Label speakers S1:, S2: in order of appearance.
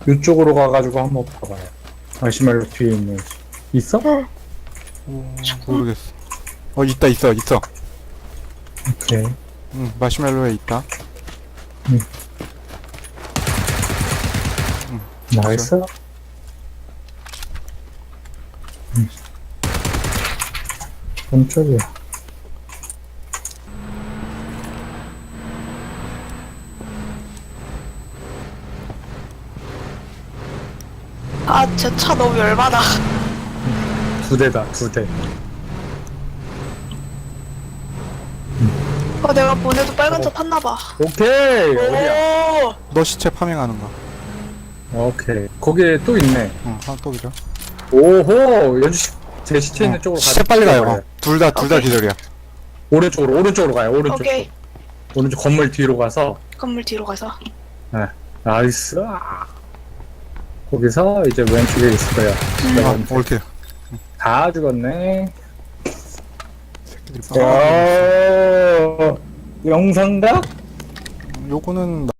S1: 이쪽으로 가가지고 한번 봐봐요. 마시멜로 뒤에 있는 있어?
S2: 모르겠어. 있어.
S1: 오케이.
S2: 마시멜로에 있다.
S1: 나이스. 왼쪽이야.
S3: 아, 저 차 너무 열받아.
S1: 두 대다, 두 대.
S3: 내가 보내도 빨간 차 탔나봐.
S1: 오케이! 어디야?
S3: 오!
S2: 너 시체 파밍하는 거.
S1: 오케이. 거기에 또 있네.
S2: 하나 또 기절.
S1: 오호! 연주 제 시체 있는 쪽으로
S2: 시체 빨리 가요.
S1: 가요.
S2: 둘 다
S3: 오케이.
S2: 기절이야.
S1: 오른쪽으로 가요, 오른쪽.
S3: 오케이.
S1: 오른쪽 건물 뒤로 가서.
S3: 건물 뒤로 가서.
S1: 네. 나이스. 거기서 이제 왼쪽에 있을 거야.
S2: 올킬.
S1: 다 죽었네.
S2: 새끼들이
S1: 영상각?
S2: 요거는